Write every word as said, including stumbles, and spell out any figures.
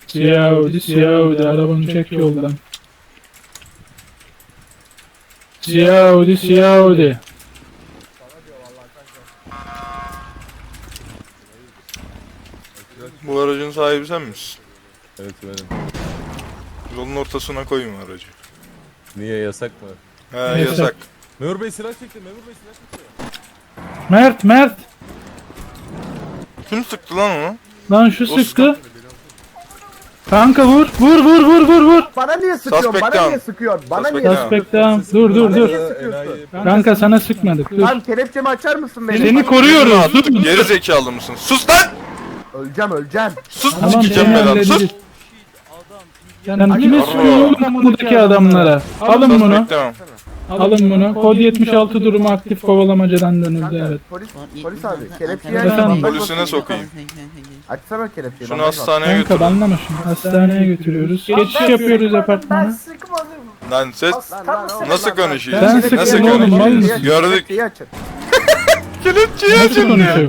Siyah Audi, siyah Audi. Arabanı çek yoldan. Siyah Audi, siyah Audi. Bu aracın sahibi sen misin? Evet benim. Yolun ortasına koyma aracı. Niye yasak mı? He Yasak. yasak. Memur Bey silah çekti. Memur Bey silah çekti. Mert, Mert. Kim sıktı lan onu? Lan şu O sıktı. Kanka vur, vur, vur, vur, vur, vur. Bana niye sıkıyorsun? Suspect Bana down. niye sıkıyorsun? Bana Suspect niye down. sıkıyorsun? Suspect down. Dur, dur, dur. Enayi. Kanka sana sıkmadık. Dur. Tamam kelepçemi açar mısın beni? Seni koruyoruz. Dur, dur. Geri zekalı mısın? Sus lan! Öleceğim öleceğim. Sus Tamam, sikeceğim seni belanı sus! hallederiz. Sen kime söylüyorsun buradaki adamlara? Alın bunu. Suspect down. Alın bunu. Kod yetmiş altı durumu aktif, kovalamacadan dönüldü, Kanka, evet. Polis, polis abi kelepçeyi Efendim? aç. bandaj Polisine basayım. sokayım. Açsana kelepçeyi. Şunu bandaj bas. hastaneye Kanka götür. banlama şunu. Hastaneye götürüyoruz. Geçiş yapıyoruz Ben apartmana. sıkmadım. Lan ses. Tam sıkmadım. Nasıl konuşuyor? Sen Nasıl sıkıyorsun oğlum, konuşuyor? mal mısın? Gördük. Kelepçeyi açın. Kelepçeyi Nasıl açın diyor. konuşuyor?